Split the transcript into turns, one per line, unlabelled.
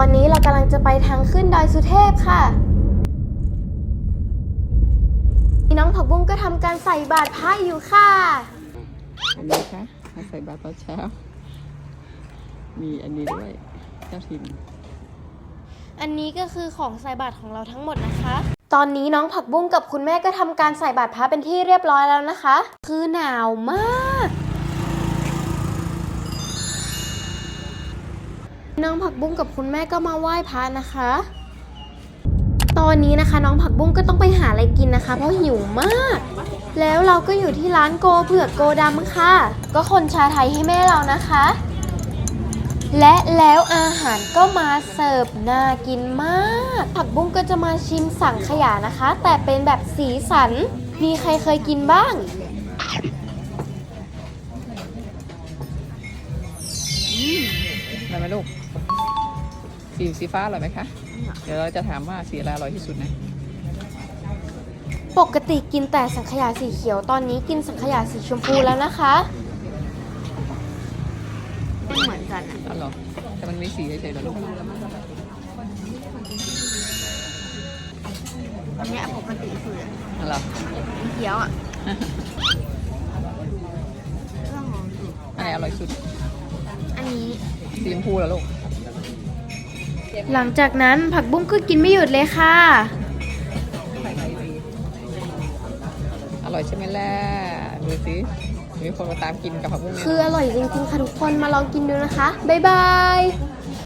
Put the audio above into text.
อนนี้เรากำลังจะไปทางขึ้นดอยสุเทพค่ะน้องผักบุ้งก็ทำการใส่บาตรพระอยู่ค่ะ
อันนี้ค่ะมาใส่บาตรตอนเช้ามีอันนี้ด้วยเจ้าถิ่น
อันนี้ก็คือของใส่บาตรของเราทั้งหมดนะคะตอนนี้น้องผักบุ้งกับคุณแม่ก็ทำการใส่บาตรพระเป็นที่เรียบร้อยแล้วนะคะคือหนาวมากน้องผักบุ้งกับคุณแม่ก็มาไหว้พระนะคะตอนนี้นะคะน้องผักบุ้งก็ต้องไปหาอะไรกินนะคะเพราะหิวมากแล้วเราก็อยู่ที่ร้านโกเผือกโกดำค่ะก็คนชาไทยให้แม่เรานะคะและแล้วอาหารก็มาเสิร์ฟน่ากินมากผักบุ้งก็จะมาชิมสังขยานะคะแต่เป็นแบบสีสันมีใครเคยกินบ้าง
ได้ไหมลูกสีฟ้าอร่อยไหมคะเดี๋ยวเราจะถามว่าสีอะไรอร่อยที่สุดนะ
ปกติกินแต่สังขยาสีเขียวตอนนี้กินสังขยาสีชมพูแล้วนะคะ
ไม่เหมือนกันอ่ะ
อ๋อเหรอแต่มันมีสีเฉยๆเหรอลูก
อันนี้ปกติคือ
อ๋อเหรอ
เขียวอ่ะ
อันไหนอร่อยสุด
อันนี้
สีชมพูเหรอลูก
หลังจากนั้นผักบุ้งก็กินไม่หยุดเลยค่ะ
อร่อยใช่ไหมล่ะดูสิมีคนมาตามกินกับผักบุ้ง
คืออร่อยจริงๆค่ะทุกคนมาลองกินดูนะคะบ๊ายบาย